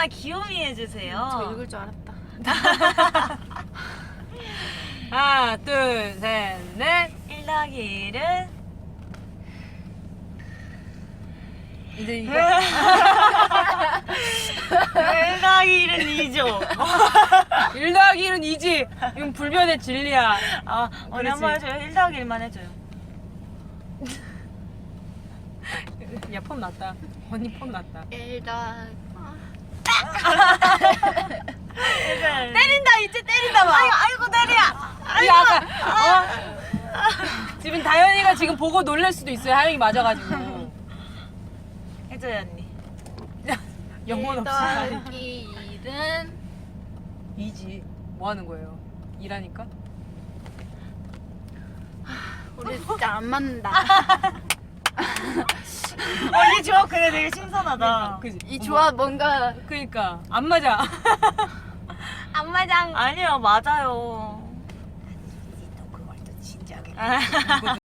아 귀요미 해주세요. 저 읽을 줄 알았다. 하나, 둘, 셋, 넷. 1 더하기 1은 이제 이거 1 더하기 1은 2죠. 1 더하기 1은 2지. 이건 불변의 진리야. 아 언니 그렇지. 한번 해줘요. 1 더하기 1만 해줘요. 야, 폼 났다. 언니 폼 났다. 일단 때린다 이제 때린다 봐. 아이고 때려. 이 아까 지금 다현이가 지금 보고 놀랄 수도 있어요. 하영이 맞아가지고. 해줘요 언니. 영혼 없이 더하기 1은 2지. 뭐 하는 거예요? 일하니까? 우리 진짜 안 맞는다. 언니 조합 그래 되게 신선하다. 그지? 이 조합 뭔가 그니까 안 맞아. 안 맞아. 아니요 맞아요. 또 그걸 또 진지하게. 아.